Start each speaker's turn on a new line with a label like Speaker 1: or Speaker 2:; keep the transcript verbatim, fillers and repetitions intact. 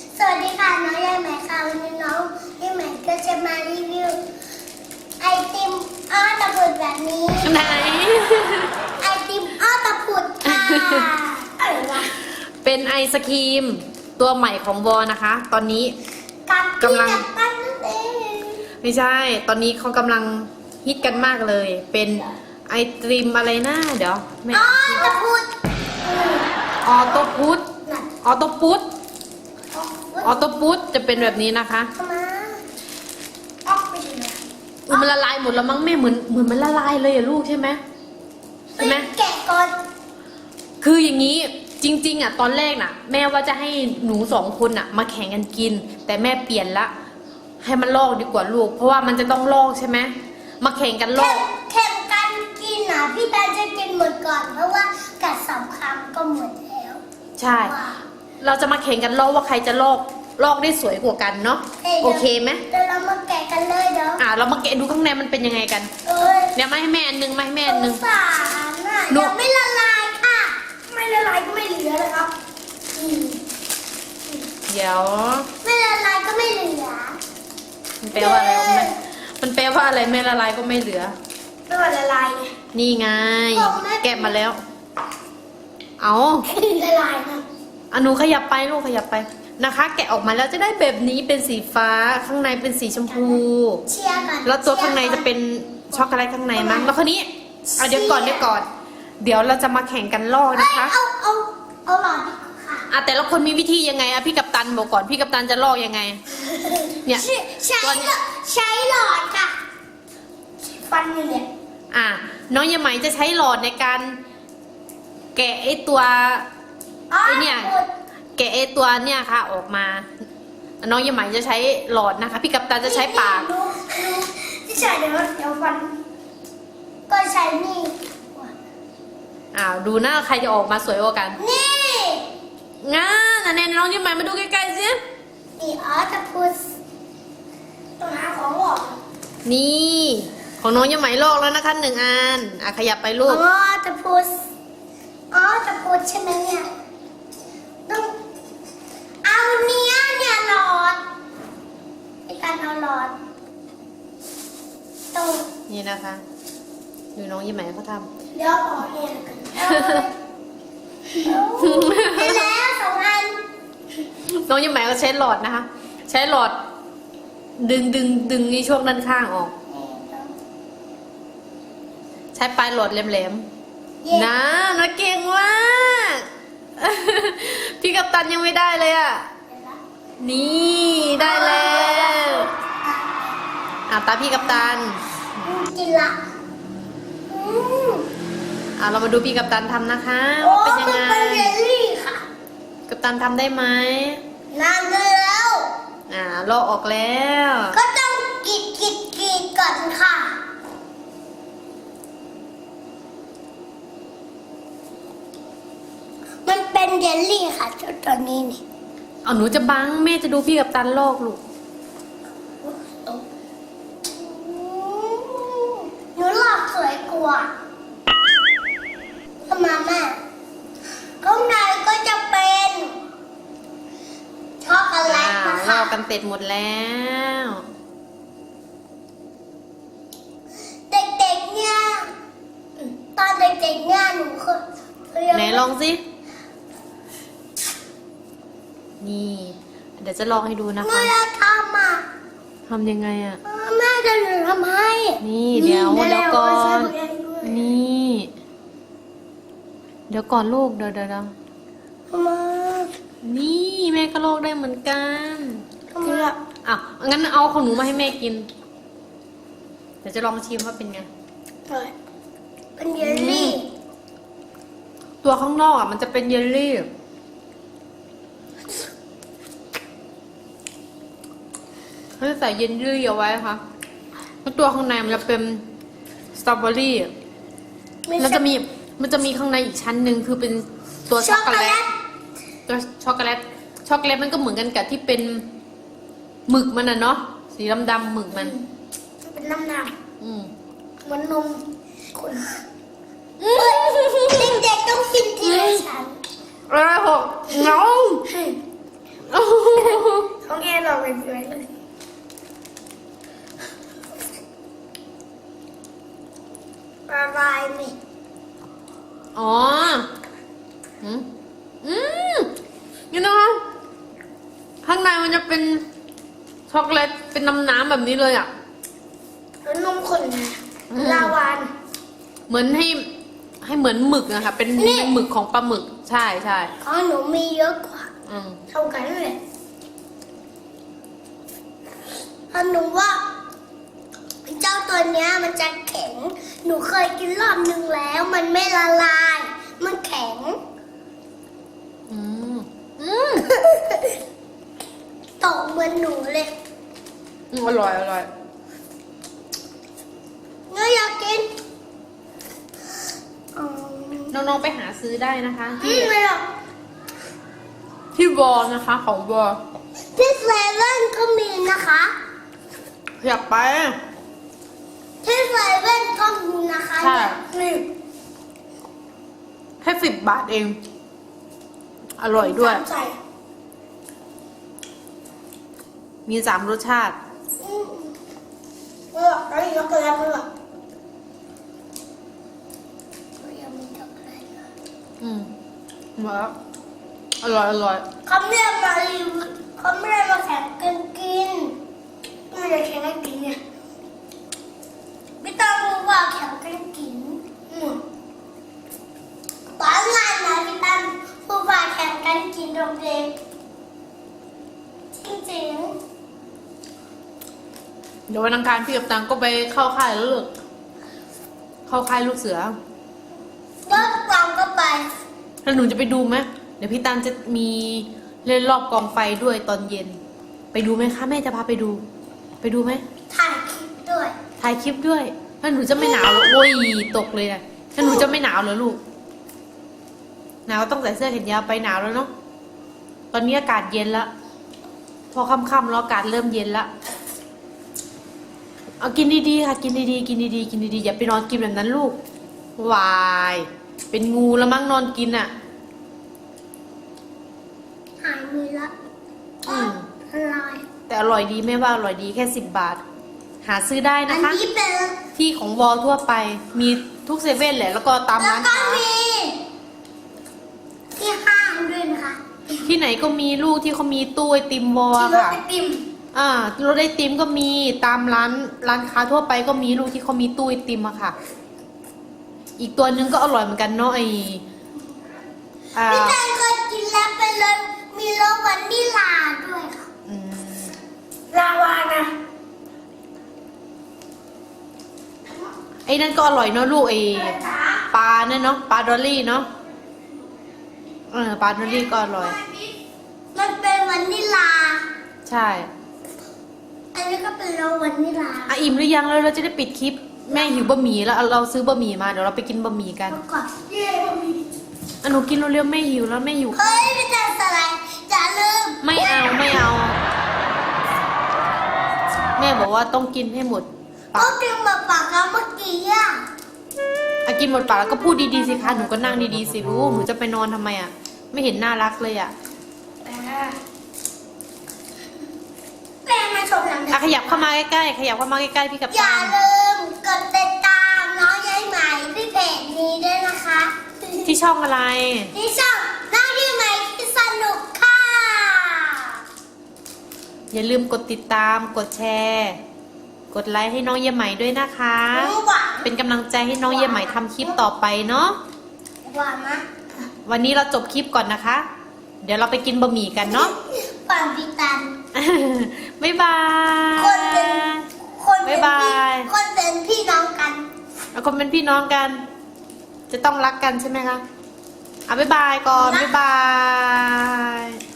Speaker 1: สวัสดีค่ะน้องยายใหม่ค่ะวันนี้น้องยายใหม่ก็จะมารีวิวไอติมอ้อตะพุดแบบนี้
Speaker 2: ไหน
Speaker 1: ไอติมอ้อตะพุดค่ะอะไรวะ
Speaker 2: เป็นไอศครีมตัวใหม่ของวอนะคะ ตอนนี้
Speaker 1: กับ
Speaker 2: กำลัง
Speaker 1: กับปั้นนั่นเอง
Speaker 2: ไม่ใช่ ตอนนี้เขากำลังฮิตกันมากเลย เป็นไอติมอะไรนะเดี๋ยวแม่
Speaker 1: อ้อตะพุด
Speaker 2: ออโตพุท
Speaker 1: น่ะ
Speaker 2: ออโตพุท
Speaker 1: ออก
Speaker 2: ออโตพุทจะเป็นแบบนี้นะคะ
Speaker 1: เข้ามาออกไปเลย
Speaker 2: อุ๊ยมันละลายหมดแล้วมั้งแม่เหมือนเหมือนมันละลายเลยอะลูกใช่ไหมใช่ไหม
Speaker 1: แกะก่อน
Speaker 2: คืออย่างนี้จริงๆอ่ะตอนแรกน่ะ แม่ว่าจะให้หนูสองคนอ่ะ มาแข่งกันกิน แต่แม่เปลี่ยนละให้มันลอกดีกว่าลูก เพราะว่ามันจะต้องลอกใช่ไหมมาแข่งกันล
Speaker 1: แข่
Speaker 2: อง ก
Speaker 1: แข่งกันกินอ่ะพี่ตาจะกินหมดก่อนเพราะว่ากัดสองคำก็หมดแล้ว
Speaker 2: ใช่ เราจะมาแข่งกันลอกว่าใครจะลอกลอกได้สวยกว่ากันเนาะโอเคไหม
Speaker 1: เดี๋ยวเรามาแกะกันเลยเดี๋ยว
Speaker 2: อ่ะเรามาแกะดูข้างในมันเป็นยังไงกัน
Speaker 1: เอ้ย
Speaker 2: เนี่ยมาให้แม่อันนึงมาให้แม่
Speaker 1: ส
Speaker 2: อัน
Speaker 1: ง
Speaker 2: นึง
Speaker 1: สารน่ะ
Speaker 2: หนู
Speaker 1: ยังไม่ละลายค่ะ ไม่ละลายก็ไม่เหลือเลยครับอืม
Speaker 2: เดี๋ยว
Speaker 1: ไม่ละลายก็ไม่เหลือ
Speaker 2: มันแปลว่าอะไรวะแม่มันแปลว่าอะไรแม่ละลายก็ไม่เหลือ
Speaker 1: ไม่ว่าละลายไง
Speaker 2: นี่ไง
Speaker 1: ของแม่
Speaker 2: แกะมาแล้ว เอา
Speaker 1: ละลายนะ
Speaker 2: อนุขยับไปลูกขยับไปนะคะ แกะออกมาแล้วจะได้แบบนี้เป็นสีฟ้าข้างในเป็นสีชมพู
Speaker 1: เชียร์กัน
Speaker 2: แล้วตัวข้างในจะเป็นช็อกโกแลตข้างในมั้งแล้วคราวนี้เอาเดี๋ยวก่อนเดี๋ยวก่อน เดี๋ยวเราจะมาแข่งกันลอก
Speaker 1: เอ้
Speaker 2: นะ
Speaker 1: ย
Speaker 2: คะ
Speaker 1: เอาเอาเอาหลอดดีกว่าค่ะ
Speaker 2: อ่ะแต่ละคนมีวิธียังไงอ่ะพี่กัปตันบอกก่อนพี่กัปตันจะลอกยังไง เนี่ย
Speaker 1: ใช้ใช้
Speaker 2: ตัวนี้
Speaker 1: ใช้หลอดค่ะฟันนี่เนี่ย
Speaker 2: อ่ะน้องยายไหมจะใช้หลอดในการ แกะไอตัว
Speaker 1: อ๋อ
Speaker 2: ไอเนี่ย แกะไอตัวเนี่ยค่ะออกมา น้องยายไหมจะใช้หลอดนะคะ พี่กัปตันจะใช้ปาก
Speaker 1: รู้รู้ที่ใช้เดี๋ยวเดี๋ยวฟัน ก็ใช้นี่
Speaker 2: อ้าวดูหน้าใครจะออกมาสวยกว่ากัน
Speaker 1: นี่
Speaker 2: งั้นอันนี้น้องยายไหมมาดูใกล้ๆสิ
Speaker 1: นี่ออตพุสต้องหาของออก
Speaker 2: นี่ของน้องยายไหมลอกแล้วนะคะหนึ่งอันอ่ะขยับไปลู
Speaker 1: อ๋อก ตพุสอ๋อตพุสใช่ไหมเนี่ยต้องเอาเนี้ยเนี่ยหลอดในการเอาหลอดต้อง
Speaker 2: นี่นะคะดูน้องยายไหมเขาท
Speaker 1: เดี๋ยวออกเนี่ยกันเอาได้แล้วสองอัน
Speaker 2: ำน้องยายไหมก็ใช้หลอดนะคะ ใช้หลอด ดึงดึงดึงนี่ช่วงด้านข้างออก ใช้ปลายหลอดแหลมๆนะนะเก่งมาก พี่กัปตันยังไม่ได้เลยอ่ะ นี่ได้แล้วอ่ะตาพี่กัปตัน
Speaker 1: กินละอืม
Speaker 2: อ่ะเรามาดูพี่กัปตันทำนะคะ
Speaker 1: โอ้
Speaker 2: ว่าเป็นยัง
Speaker 1: มัน
Speaker 2: ไง
Speaker 1: เป็นเยลลี่ค่ะ
Speaker 2: กัปตันทำได้ไหม
Speaker 1: นานแล้ว
Speaker 2: อ่าลอกออกแล้ว
Speaker 1: ก็ต้องกรีดกรีดกรีดก่อนค่ะ มันเป็นเยลลี่ค่ะเจ้าตัวนี้นี่
Speaker 2: เอาหนูจะบังแม่จะดูพี่กัปตันลอกลูก
Speaker 1: หนูหลอกสวยกว่าทำไมแม่ข้างในก็จะเป็นช็อกโกแล
Speaker 2: อ่า
Speaker 1: ตนะ
Speaker 2: ล
Speaker 1: คะ
Speaker 2: อกกันเสร็จหมดแล้ว
Speaker 1: เด็กๆเนี่ยตอนเด็กๆเนี่ยหนูเคยเคย
Speaker 2: ไหนลองสิ นี่ เดี๋ยวจะลองให้ดูนะ
Speaker 1: เมื่
Speaker 2: คะ
Speaker 1: อทำอ่ะ
Speaker 2: ทำยังไงอ่ะ
Speaker 1: แม่จะหนูทำให้
Speaker 2: นี่เดี๋ยว
Speaker 1: ได้
Speaker 2: เดี๋ยวก่อน
Speaker 1: ใช้ตัวเองด้วย
Speaker 2: นี่ เดี๋ยวก่อนลูกเดี๋ยวเดี๋ยวเดี๋ยว
Speaker 1: มา
Speaker 2: นี่แม่ก็ลอกได้เหมือนกัน
Speaker 1: ทำไมอ่ะ
Speaker 2: อ่ะงั้นเอาของหนูมาให้แม่กิน เดี๋ยวจะลองชิมว่าเป็นไง
Speaker 1: เป็นเยลลี่
Speaker 2: ตัวข้างนอกอ่ะมันจะเป็นเยลลี่เขาจะใส่เยลลี่เอาไว้ค่ะแล้วตัวข้างในมันจะเป็นสตรอเบอรี่
Speaker 1: ไม่
Speaker 2: แล้ว
Speaker 1: ใช่
Speaker 2: จะมีมันจะมีข้างในอีกชั้นหนึ่งคือเป็นตัวช็
Speaker 1: ช็
Speaker 2: อ
Speaker 1: อก ก
Speaker 2: โก
Speaker 1: โก
Speaker 2: แล
Speaker 1: แล
Speaker 2: ต
Speaker 1: ต
Speaker 2: ตัวช็อกโกแลตช็อกโกแลตมันก็เหมือนกันกับที่เป็นหมึกมันอ่ะเนาะสีดำๆหมึกมัน
Speaker 1: เป็นน้ำหนัก
Speaker 2: อืม
Speaker 1: เหมือนนมคนเด็กๆต้องกินทีละชั้น
Speaker 2: อะไรหกน้อง
Speaker 1: เราเป็นสวยเลยละลายไหม
Speaker 2: อ๋อ อืมอืมนี่นะคะข้างในมันจะเป็นช็อกโกแลตเป็นน้ำน้ำแบบนี้เลยอ่ะ
Speaker 1: แล้วนมข้นนะลาวาน
Speaker 2: เหมือนให้ให้เหมือนหมึกอะค่ะ เป็น
Speaker 1: นี่
Speaker 2: เป็นหมึกของปลาหมึก ใช่ใช่
Speaker 1: ของหนูมีเยอะกว่า
Speaker 2: อืม
Speaker 1: เท่ากันเลยเพราะหนูว่าเจ้าตัวเนี้ยมันจะแข็ง หนูเคยกินรอบนึงแล้ว มันไม่ละลาย มันแข็ง
Speaker 2: อืมอืม
Speaker 1: ตกเหมือนหนูเลย
Speaker 2: อืมอร่อยอร่อย
Speaker 1: หนูอยากกินอืม
Speaker 2: น้องๆไปหาซื้อได้นะคะ
Speaker 1: อื
Speaker 2: ที่
Speaker 1: มไม่หรอก
Speaker 2: ที่วอลนะคะของวอล
Speaker 1: ที่เซเว่นก็มีนะคะ
Speaker 2: อยากไป
Speaker 1: ที่เซเว่นก็มีนะคะ
Speaker 2: ใช่
Speaker 1: นี่
Speaker 2: แค่สิบบาทเอง อร่อยด้วย
Speaker 1: ใส่
Speaker 2: มีสามรสชาติ
Speaker 1: อืมเออแล้วอีกก็แล้วเพื่อยังมีช็อกโกแลตนะ
Speaker 2: อืมมาแล้วอร่อยอร่อย
Speaker 1: เขาไม่ได้มารีวิวเขาไม่ได้มาแข่งกันกินไม่ได้แข่งกันกินเนี่ยไม่ต้องรู้ว่าแข่งกันกินอืมตอนงานนะพี่ตั้มผู้ว่าแข่งกันกินโรงเรียนจริง
Speaker 2: เดี๋ยววันอังคารพี่กับตังก็ไปเข้าค่ายแล้วลูกเข้าค่ายลูกเสือ
Speaker 1: ๆก็กลางก็ไป
Speaker 2: แล้วหนูจะไปดูไหมเดี๋ยวพี่ตังจะมีเล่นรอบกองไฟด้วยตอนเย็น ไปดูไหมคะแม่จะพาไปดู ไปดูไหม
Speaker 1: ถ่ายคลิปด้วย
Speaker 2: ถ่ายคลิปด้วยถ้าหนูจะไม่หนาวเหรอโอ้ยตกเลยนะถ้าหนูจะไม่หนาวเหรอลูกหนาวต้องใส่เสื้อแขนยาวไปหนาวแล้วเนาะตอนนี้อากาศเย็นแล้วพอค่ำๆแล้วอากาศเริ่มเย็นแล้วเอากินดีๆค่ะกินดีๆกินดีๆกินดีๆอย่าไปนอนกินแบบนั้นลูกวายเป็นงูแล้วมั้งนอนกินอ่ะ
Speaker 1: หายมือละ
Speaker 2: อืม
Speaker 1: อร่อย
Speaker 2: แต่อร่อยดีไม่ว่าอร่อยดีแค่สิบบาท หาซื้อได้
Speaker 1: อั
Speaker 2: นะ
Speaker 1: น
Speaker 2: คะ
Speaker 1: นี้เป็น
Speaker 2: ที่ของวอลทั่วไปมีทุกเซเว่นแหละแล้วก็ตาม
Speaker 1: แล้ว
Speaker 2: ร้าน
Speaker 1: ก็
Speaker 2: ค้า
Speaker 1: มีที่ห้างด้วยนะคะ
Speaker 2: ที่ไหนก็มีลูกที่เขามีตู้ไอติมวอล
Speaker 1: ที่รถ
Speaker 2: ค่ะ
Speaker 1: ไอติม
Speaker 2: อ่ารถไอติมก็มีตามร้านร้านค้าทั่วไปก็มีลูกที่เขามีตู้ไอติมอะค่ะ อีกตัวนึงก็อร่อยเหมือนกันเนาะไออ่า
Speaker 1: พี่แตนเคยกินแล้วเป็นรสมีรสวานิลลาด้วยค่ะ
Speaker 2: อืม
Speaker 1: ลาวานะ
Speaker 2: ไอ้นั่นก็อร่อยเนาะลูกไอปลาเนี่ยเนาะปลาดอลลี่เนาะเออปลาดอลลี่ก็อร่อย
Speaker 1: มันเป็นวานิลลา
Speaker 2: ใช่
Speaker 1: อันนี้ก็เป็นรสวานิลลา
Speaker 2: อ่ะอิ่มหรือยังแล้วเราจะได้ปิดคลิปแม่หิวบะหมี่แล้วเอาเราซื้อบะหมี่มาเดี๋ยวเราไปกินบะหมี่กัน
Speaker 1: แล้วก็เย้บะหมี่
Speaker 2: อ่ะหนูกินเร็วๆแม่หิวแล้วแม่หิว
Speaker 1: เฮ้ยพี่แตนสไลด์อย่าลืม
Speaker 2: ไม่เอาไม่เอา แม่บอกว่าต้องกินให้หมด
Speaker 1: ก็กินแบบปากแล้วเมื่อกี้อ่ะ
Speaker 2: อ่ะกินหมดปากแล้วก็พูดดีๆสิคะหนูก็นั่งดีๆสิลูกหนูจะไปนอนทำไมอ่ะ ไม่เห็นน่ารักเลยอ่ะ
Speaker 1: แม่มาชมหนัง
Speaker 2: อ่ะขยับเข้ามาใกล้ๆขยับเข้ามาใกล้ๆพี่กับ
Speaker 1: อย่า
Speaker 2: ตา
Speaker 1: ลืมกดติดตามน้องยายใหม่ที่เพจนี้ด้วยนะคะ
Speaker 2: ที่ช่องอะไร
Speaker 1: ที่ช่องน้องยายใหม่ที่สนุกค่ะ
Speaker 2: อย่าลืมกดติดตามกดแชร์ กดไลค์ให้น้องเยี่ยมใหม่ด้วยนะคะ
Speaker 1: หวาน
Speaker 2: เป็นกำลังใจให้น้องเยี่ยมใหม่ทำคลิปต่อไปเนาะ
Speaker 1: หวานนะ
Speaker 2: วันนี้เราจบคลิปก่อนนะคะ เดี๋ยวเราไปกินบะหมี่กันเนาะ
Speaker 1: หวานพิตัน
Speaker 2: บ๊ายบาย
Speaker 1: คนเป็นคนเป็น
Speaker 2: บ๊ายบา
Speaker 1: พี่
Speaker 2: ย
Speaker 1: คนเป็นพี่น้องกัน
Speaker 2: แล้วคนเป็นพี่น้องกัน จะต้องรักกันใช่ไหมคะอ่ะบ๊ายบายก่อน บ๊ายบาย